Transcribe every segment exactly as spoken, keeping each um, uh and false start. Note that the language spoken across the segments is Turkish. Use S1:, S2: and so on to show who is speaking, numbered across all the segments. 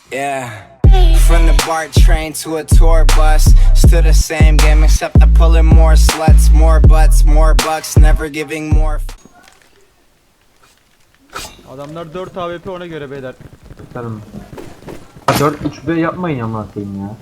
S1: Yeah. From the BART train to a tour bus, still the same game except I'm pulling more sluts, more butts, more bucks, never giving more.
S2: Adamlar dört A W P, ona göre beyler.
S3: Tutarım. dört üç B yapmayın ama koyayım ya.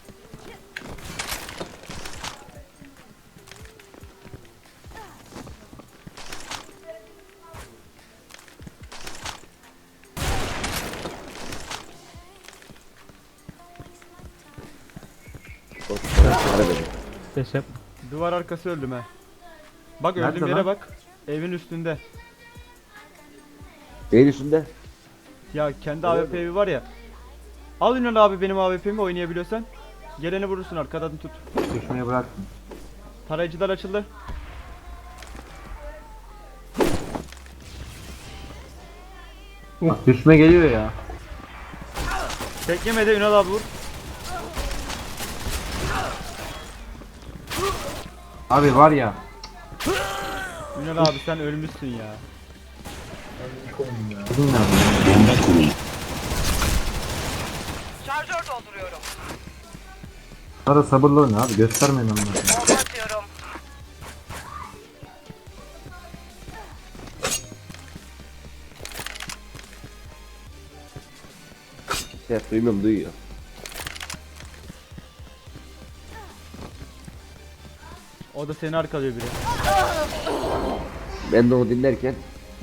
S4: Ses yap.
S2: Duvar arkası öldüm he. Bak
S3: Nerede
S2: öldüğüm yere
S3: lan?
S2: bak. Evin üstünde.
S5: Neyin üstünde?
S2: Ya kendi A W P'yi var ya. Al Ünal abi benim A W P'mi oynayabiliyorsan. Geleni vurursun, arkadan tut.
S3: Düşmeye bıraktım.
S2: Tarayıcılar açıldı.
S3: Bak düşme geliyor ya.
S2: Tek yemedi, Ünal abi vur.
S3: Abi var ya.
S2: Ünal abi sen ölmüşsün ya.
S3: Bugün nerede?
S6: Şarjör dolduruyorum.
S3: Ara sabırlı oyna abi, göstermeyin onları.
S6: Bomba atıyorum.
S5: Ses duymuyorum, duyuyor.
S2: O da seni arkalıyor biri.
S5: Ben de onu dinlerken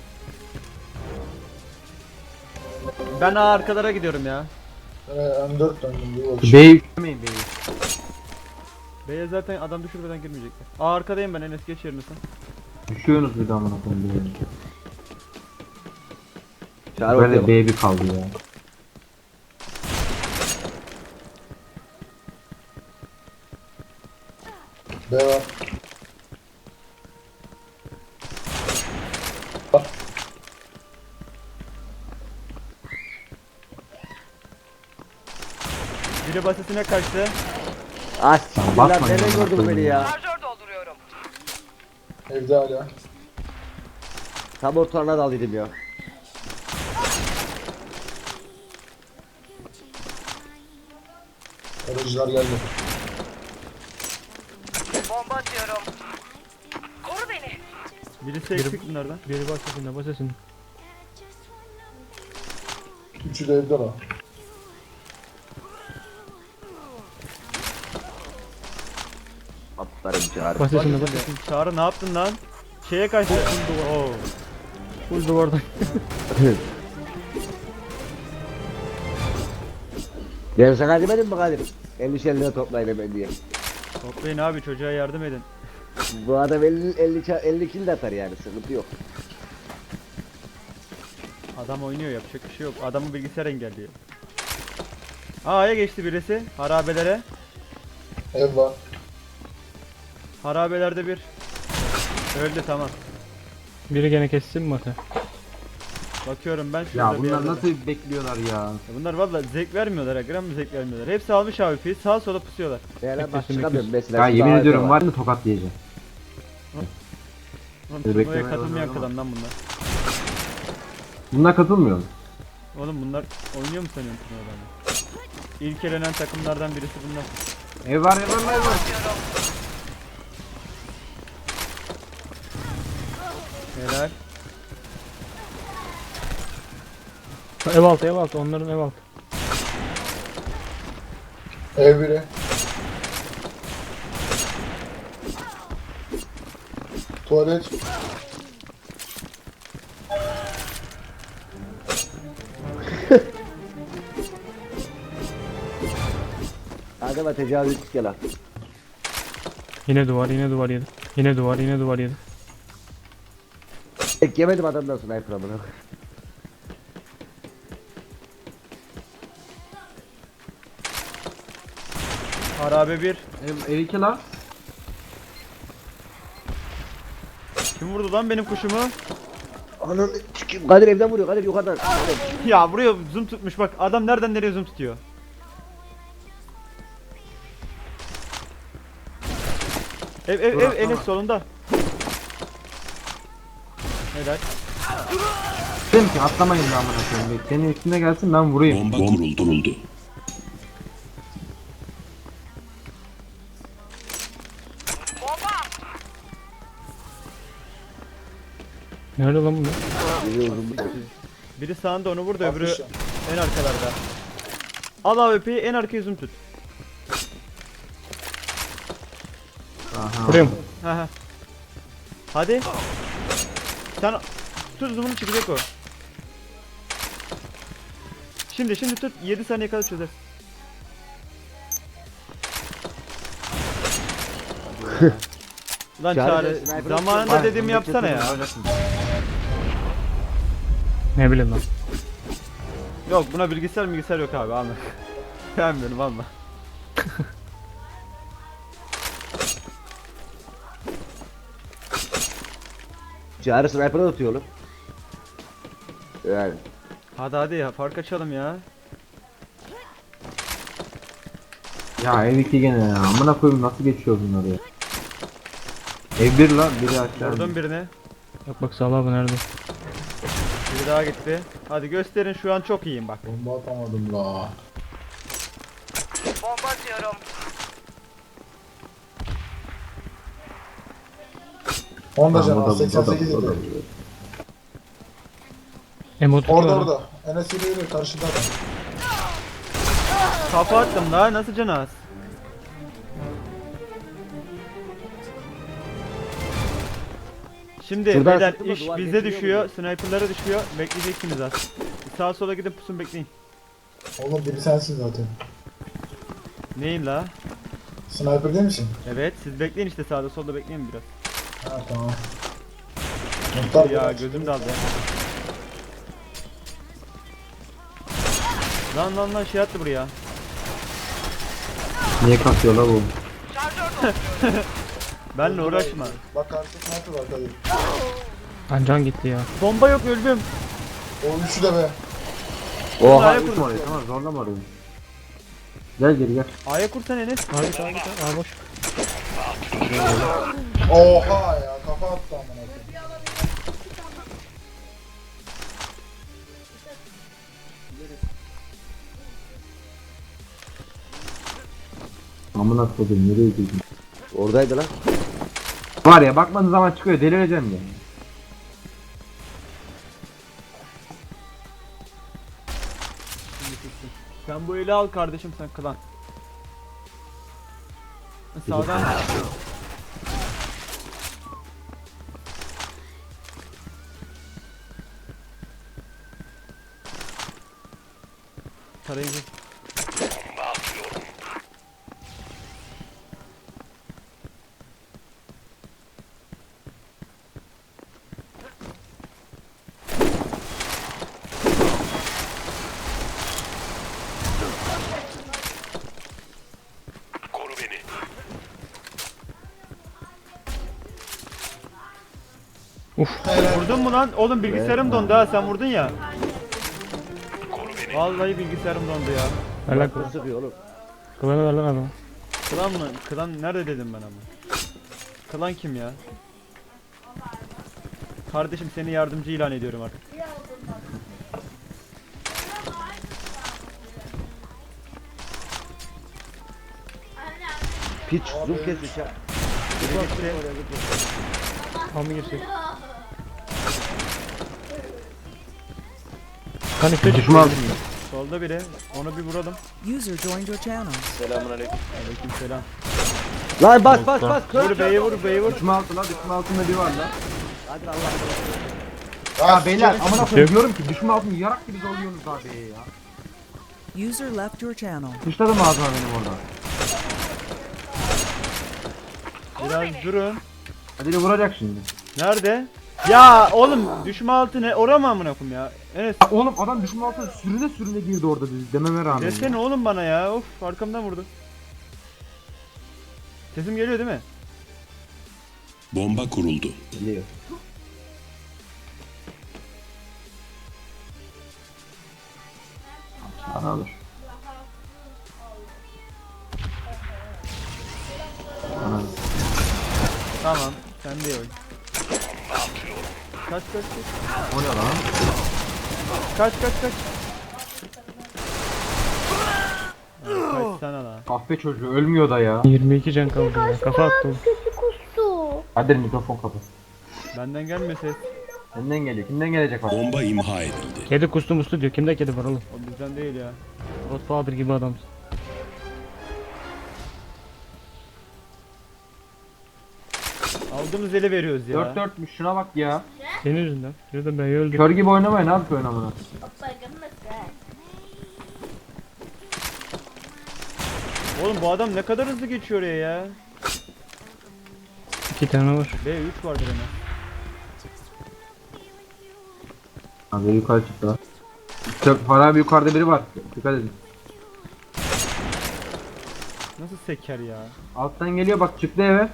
S2: Ben A arkalara gidiyorum ya.
S7: M dört döndüm bir bakış.
S3: B'yi yüklemeyin B'yi.
S2: B'ye zaten adam düşürmeden girmeyecekler. A arkadayım ben, Enes geç yerine sen.
S3: Düşüyorsunuz bir daha amına koyayım B'ye.
S5: çağır
S3: Böyle
S5: ortaya bak.
S3: B bir kaldı ya.
S7: B var.
S2: Biri basitine kaçtı.
S5: Ah
S3: Tamam,
S5: siktir lan,
S3: bakmayın
S5: nereye
S3: amına
S5: gördün
S3: koyayım
S5: beni
S3: ya.
S5: ya?
S6: Şarjör dolduruyorum.
S7: Evde hala.
S5: Tam ortalarına daldıydım ya.
S7: Aracılar geldi.
S6: Bomba atıyorum. Koru beni.
S2: Birisi eksik bunlardan.
S4: Biri bas sesine bas sesine.
S7: Üçü de evde lan.
S5: Atlarım çağır.
S4: Bas sesine bas
S2: Bak,
S4: sesine.
S2: Çağrı ne yaptın lan? Şeye kaçtı. Oo.
S4: Full duvardan.
S5: Ben sana demedim mi Kadir? elli elli toplayın hemen diye.
S2: Toplayın abi, çocuğa yardım edin.
S5: Bu adam elli elli ça- elli kill de atar yani, sıkıntı yok.
S2: Adam oynuyor, yapacak bir şey yok. Adamı bilgisayar engelliyor. A'ya geçti birisi. Harabelere.
S7: Ev var.
S2: Harabelerde bir. Öldü, tamam.
S4: Biri gene kessin mi Mate?
S2: Bakıyorum ben şurada
S3: Ya
S2: bir
S3: bunlar
S2: yerde.
S3: nasıl bekliyorlar ya?
S2: Ya bunlar valla zevk vermiyorlar ha, gram bir zevk vermiyorlar. Hepsi almış A W P'yi, sağa sola pusuyorlar.
S5: Yani bak
S4: Beklesin,
S5: çıkamıyorum mesela.
S3: Ya
S5: şurada
S3: yemin
S5: A W P
S3: ediyorum var mı tokat diyeceğim.
S2: Oğlum
S3: Dur,
S2: turnuvaya
S3: beklemeye
S2: katılmayan
S3: başladım
S2: kadın lan bunlar.
S3: Bunlar katılmıyor mu?
S2: Oğlum bunlar oynuyor mu sanıyorsun turnuvalarını? İlk elenen takımlardan birisi bunlar.
S3: Ev var ev var ev var.
S2: Helal.
S4: Ev altı ev altı onların ev altı.
S7: Ev biri. Tuvalet.
S5: Adama tecavüz ettik ya lan.
S4: Yine duvar yine duvar yedi. Yine duvar yine duvar yedi.
S5: Tek yemedim adamdan sniper amına.
S2: Harabe bir.
S3: Ev, ev iki lan.
S2: Kim vurdu lan benim kuşumu?
S5: Ananı sikeyim. Kadir evden vuruyor, Kadir yukarıdan. Kadir.
S2: Ya buraya zoom tutmuş bak, adam nereden nereye zoom tutuyor. Ev ev ev Enes solunda. Helal.
S3: Dedim ki atlamayın lan amına koyayım. Senin üstüne gelsin ben vurayım.
S8: Bomba kuruldu. kuruldu.
S6: Bomba.
S4: Nerede lan bunlar?
S5: Biri uzun bir
S2: Biri sağında onu vur da öbürü
S7: Atmış ya.
S2: en arkalarda. Al A W P'yi en arkaya zoom tut.
S3: Aha.
S4: Buraya mı?
S2: Ha ha. Hadi. Sen tut zoom'unu çıkacak o. Şimdi şimdi tut yedi saniye kadar çözer. Lan
S5: Çağrı,
S2: Çağrı
S5: sniper
S2: zamanında
S3: Hayır,
S2: dediğimi
S3: bunu
S2: yapsana ya.
S3: bekletin, oynasın.
S4: Ne bileyim lan.
S2: Yok buna bilgisayar bilgisayar yok abi alma. Beğenmiyorum alma.
S5: Çağrı sniper'a atıyor oğlum. Yani.
S2: Hadi hadi ya fark açalım ya.
S3: Ya ev iki gene ya. Amına koyayım nasıl geçiyor bunları ya. Ev bir lan biri aşağı.
S2: Vurdum birine.
S4: Bak bak Salih abi nerede?
S2: Biri daha gitti. Hadi gösterin şu an çok iyiyim bak.
S7: Bomba atamadım la.
S6: Bomba atıyorum.
S7: Onda
S3: Tamam,
S7: canım
S3: o da-
S7: seksen
S3: o da-
S7: sekiz
S3: o da-
S7: yedi.
S4: Emotu
S7: Orada
S4: var.
S7: orada. Enes yürü yürü karşıda adam.
S2: Kafa attım daha nasıl canı az? Şimdi
S5: Şuradan
S2: beyler
S5: sıktı mı?
S2: iş
S5: Duvar
S2: bize
S5: getiriyor
S2: düşüyor, sniperlara düşüyor. Bekleyeceksiniz az. Sağa sola gidip pusun bekleyin.
S7: Oğlum biri sensin zaten.
S2: Neyin la?
S7: Sniper değil misin?
S2: Evet siz bekleyin işte sağda solda bekleyin biraz.
S7: Ha tamam. Muhtar
S2: Ya
S7: ya,
S2: gözüm daldı. Lan lan lan şey attı buraya.
S3: Niye kasıyor la bu?
S6: Şarjör dolduruyorum.
S2: Benle uğraşma.
S7: Bak karşıda sniper var Kadir.
S4: Ancan gitti ya.
S2: Bomba yok öldüm.
S7: O üçü de be.
S3: Oha
S2: A'ya
S3: üç
S2: kurdum.
S3: oraya tamam zorlama orayı. Gel geri gel.
S2: A'ya kursan Enes.
S4: Abi git abi git abi. Aa boş.
S7: Oha ya kafa attı amına koyayım.
S3: Amına koydum nereye gidiyorsun?
S5: Oradaydı lan.
S3: Var ya bakmadığın zaman çıkıyor delireceğim ya.
S2: Sen bu eli al kardeşim sen klan. Sağdan. Tarayıcı. Vurdun mu lan? Oğlum bilgisayarım dondu ha sen vurdun ya. Vallahi bilgisayarım dondu ya.
S4: Ver lan
S5: Sniper
S4: kılan.
S5: sıkıyor oğlum.
S4: Kılanı ver lan adamı.
S2: Klan mı? Klan nerede dedim ben ama. Klan kim ya? Kardeşim seni yardımcı ilan ediyorum artık.
S5: Piç zoom kesmiş ya.
S2: Biri gitti.
S4: Al mı girsek? Kan işte
S3: Düşman aldım.
S2: Solda biri. Onu bir vuralım.
S9: User joined your channel.
S2: Aleykümselam.
S5: Lan bas bas bas.
S2: Vur beyi vur beyi vur.
S3: Düşme altı la düşme altında bir var la.
S5: Hadi Allah.
S3: Ya beyler amına koyayım diyorum ki düşme altını yarak gibi zorluyorsunuz abi ya.
S9: User left your channel.
S3: Dışladım ağzıma benim orada.
S2: Biraz durun.
S3: Hadi vuracak şimdi.
S2: Nerede? Ya oğlum düşme altı ne? Ora mı amına koyayım ya? Enes
S3: Ya oğlum adam düşme altına sürüne sürüne girdi orada dedi dememe rağmen.
S2: desene oğlum bana ya. Of arkamdan vurdu. Sesim geliyor değil mi?
S8: Bomba kuruldu.
S5: Biliyor.
S3: Bana alır. Bana alır.
S2: Tamam. Sen de oyun. Kaç kaç kaç.
S3: O ne lan?
S2: Kaç kaç kaç. Ya, kaç sana lan.
S3: Kahpe çocuğu ölmüyor da ya.
S4: yirmi iki can kaldı ya. Kafa attı oğlum.
S3: Kadir mikrofon kapat.
S2: Benden gelme ses.
S3: Senden geliyor. Kimden gelecek bak?
S8: Bomba imha edildi.
S4: Kedi kustu mustu diyor. Kimde kedi var oğlum?
S2: O bizden değil ya.
S4: Godfather gibi adamsın.
S2: Aldığımız ele veriyoruz ya.
S3: dört dörtmüş şuna bak ya.
S4: Senin yüzünden. Şurada ben öldüm.
S3: Kör gibi oynamayın abi bu oynamına.
S2: Oğlum bu adam ne kadar hızlı geçiyor oraya ya.
S4: İki tane var.
S2: B üç vardır hemen.
S3: Abi yukarı çıktı lan. Çok Far abi yukarıda biri var. Dikkat edin.
S2: Nasıl seker ya.
S3: Alttan geliyor bak çıktı eve.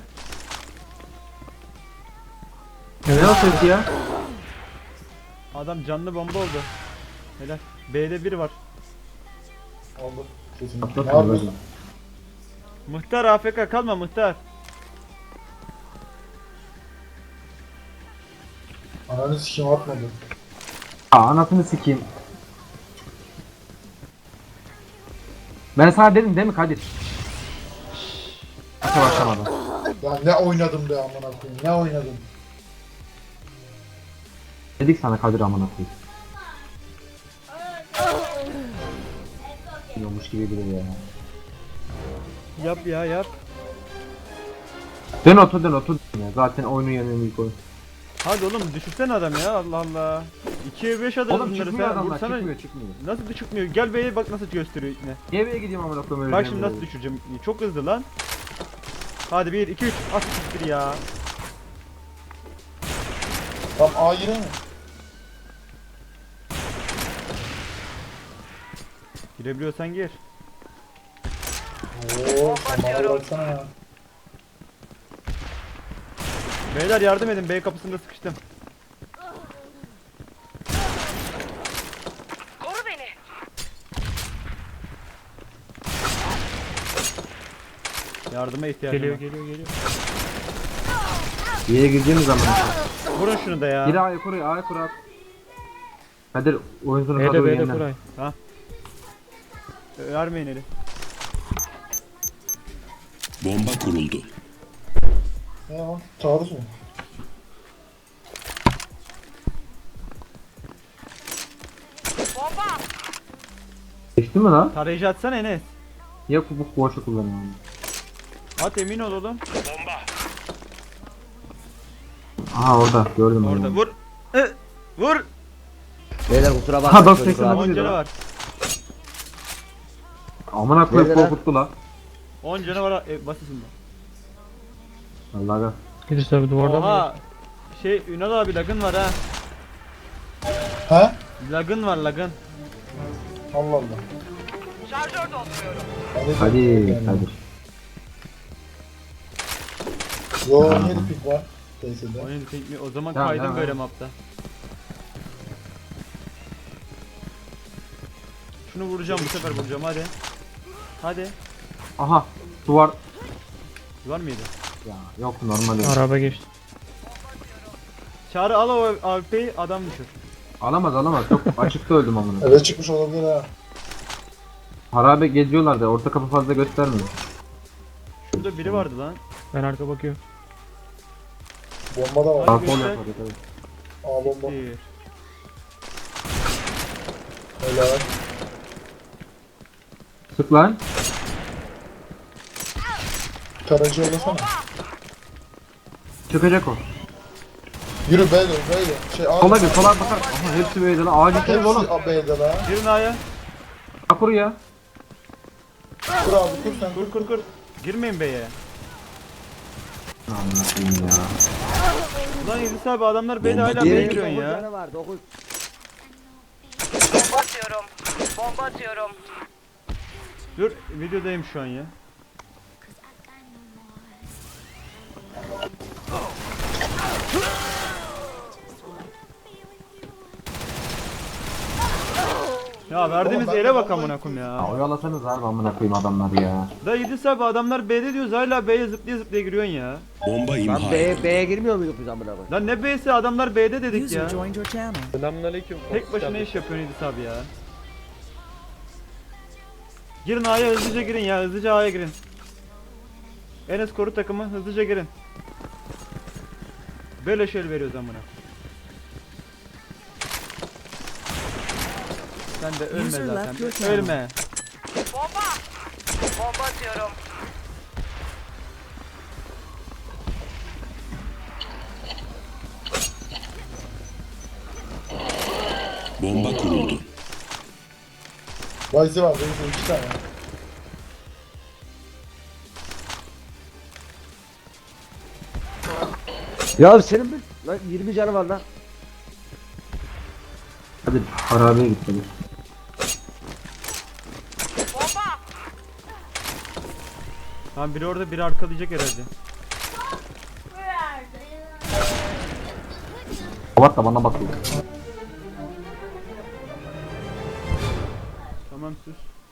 S4: Evet.
S3: Ne o ses ya?
S2: Adam canlı bomba oldu. Helal. B'de biri var.
S7: Aldı. Kesin. Ne
S3: Atlatın
S7: yapıyorsun?
S3: böyle.
S2: Muhtar A F K kalma muhtar.
S7: Ananı sikeyim atmadı.
S3: Aa anasını sikeyim. Ben sana dedim değil mi Kadir? Nasıl başlamadı?
S7: Ya ne oynadım be amına koyayım. Ne oynadım.
S3: Dedik sana Kadir amına koyayım. Yokmuş gibi biri ya.
S2: Yap ya yap.
S3: Dön otur dön otur ya. Zaten oyunun yanında ilk oyun.
S2: Hadi oğlum düşürsene adam ya Allah Allah. ikiye beş adamız
S3: Oğlum
S2: bunları
S3: çıkmıyor
S2: sen
S3: adamlar
S2: vursana.
S3: çıkmıyor çıkmıyor.
S2: Nasıl çıkmıyor? Gel B'ye bak nasıl gösteriyor ne.
S3: Niye B'ye gideyim amına koyayım öyle
S2: Bak
S3: bir
S2: şimdi
S3: yerde?
S2: nasıl düşüreceğim. Çok hızlı lan. Hadi bir iki üç at siktir ya.
S7: Tam A yine mi?
S2: Girebiliyorsan gir.
S7: Oo, tamam baksana ya.
S2: Beyler yardım edin B kapısında sıkıştım.
S6: Koru beni.
S2: Yardıma ihtiyacım
S4: Geliyor
S2: var.
S4: geliyor geliyor.
S3: Bir yere gireceğimiz zaman.
S2: Vurun şunu da ya.
S3: Gir A'ya kur A'ya kur at. Kadir oyun sonu
S4: B'de
S3: kadar
S4: B'de
S3: yeniden.
S4: Kuray.
S2: Vermeyin eli.
S8: Bomba kuruldu.
S7: Ne o? Taarruz mu?
S6: Bomba.
S3: Geçti mi lan?
S2: Tarayıcı atsana Enes.
S3: Ya bu boşu kullanıyorum.
S2: At emin ol oğlum.
S3: Aha orada gördüm ben.
S2: Orada
S3: onu.
S2: vur. Hı, vur.
S5: Beyler kusura
S3: Ha,
S5: bakmayın
S3: dokuz
S5: çocuklar.
S3: seksen
S2: on
S3: Vurdu
S2: canı
S3: lan.
S2: var.
S3: Amına koyup
S5: Nerede lan?
S3: korkuttu lan.
S2: on canı var e, basısında.
S3: Vallahi ga.
S4: İdris abi duvarda mı?
S2: Oha. Şey Ünal abi lagın var ha.
S7: He?
S2: Lagın var lagın.
S7: Allah Allah.
S6: Şarjör dolduruyorum.
S3: Hadi Kadir.
S7: Yo yedi pik var. Teyzede.
S2: Oyun tekniği o zaman
S3: Tamam,
S2: kaydım
S3: tamam.
S2: böyle mapta. Şunu vuracağım bu sefer vuracağım hadi. Hadi.
S3: Aha duvar.
S2: Var mıydı?
S3: Ya yok normal. yok.
S4: Araba geçti.
S2: Çağrı al o A W P'yi adam düşür.
S3: Alamaz alamaz. Çok açıkta öldüm amına.
S7: Eve çıkmış olabilir ha.
S3: Harabe geziyorlar da orta kapı fazla göstermiyor.
S2: Şurada biri vardı lan.
S4: Ben arka bakıyorum.
S7: Bomba da var.
S3: Sağ
S2: göster.
S3: sol yapar tabii.
S7: A bomba.
S2: Bir.
S7: Helal.
S3: Sık lan.
S7: Tarayıcı yollasana.
S3: Çıkacak o.
S7: Yürü B'de B'de. Şey A.
S3: Sola gir sola bakar. Aha hepsi böyle lan. Ağacı kırık oğlum.
S7: Hepsi A B'de la.
S2: Girin A'ya.
S3: Akur ya.
S7: Kur abi kur sen.
S2: Kur kur kur. Girmeyin B'ye.
S3: Amına koyayım ya.
S2: Ulan İdris abi adamlar B'de
S8: Bomba
S2: hala
S8: değil.
S2: B'ye
S5: Yedi
S2: giriyorsun
S5: dokuz
S2: ya.
S5: canı var dokuz.
S6: Bomba atıyorum. Bomba atıyorum.
S2: Dur videodayım şu an ya. Ya verdiğimiz
S7: Oğlum ben
S2: ele
S7: de
S2: bak
S7: vallahi
S2: amına koyayım
S3: Ya
S2: ya.
S3: oyalasanız harbi amına koyayım adamlar ya.
S2: Da İdris abi adamlar B'de diyoruz hala B'ye zıplaya zıplaya giriyorsun ya.
S8: Bomba
S5: Lan
S8: imha
S5: B'ye
S8: edildi.
S5: B'ye girmiyor muyduk biz amına koyayım?
S2: Lan ne B'si adamlar B'de dedik
S9: User
S2: ya.
S9: joined your channel.
S4: Selamünaleyküm.
S2: Tek başına iş yapıyorsun İdris abi ya. Girin A'ya hızlıca girin ya hızlıca A'ya girin. Enes koru takımı hızlıca girin. Böyle şöyle veriyoruz amına. Sen de ölme
S9: User
S2: zaten.
S9: left your channel.
S2: Ölme.
S6: Bomba! Bomba atıyorum.
S8: Bomba kuruldu.
S7: Vayzi var, Vayzi iki tane.
S5: Ya senin bir lan yirmi canı var lan.
S3: Hadi harabeye git hadi.
S6: Bomba!
S2: Tamam biri orada biri arkalayacak herhalde.
S3: Kapat da bana bakıyor.
S2: Tamam sus.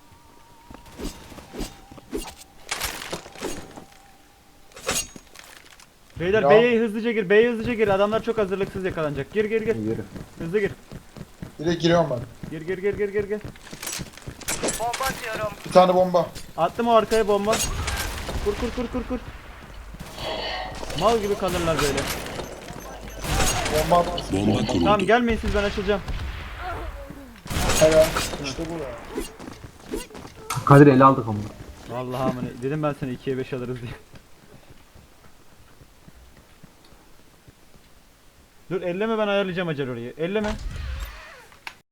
S2: Beyler
S7: Ya.
S2: B'ye hızlıca gir, B'ye hızlıca gir. Adamlar çok hazırlıksız yakalanacak. Gir gir gir.
S3: Yürü.
S2: Hızlı gir.
S7: Direkt giriyorum ben.
S2: Gir gir gir gir gir gir.
S6: Bomba atıyorum.
S7: Bir tane bomba.
S2: Attım o arkaya bomba. Kur kur kur kur kur. Mal gibi kalırlar böyle.
S7: Bomba atarsın.
S8: Bomba kuruldu.
S2: Tamam gelmeyin siz ben açılacağım.
S7: Helal. İşte bu ya.
S3: Kadir ele aldık onu.
S2: Vallahi amına dedim ben seni ikiye beş alırız diye. Dur elleme ben ayarlayacağım acele orayı. Elleme.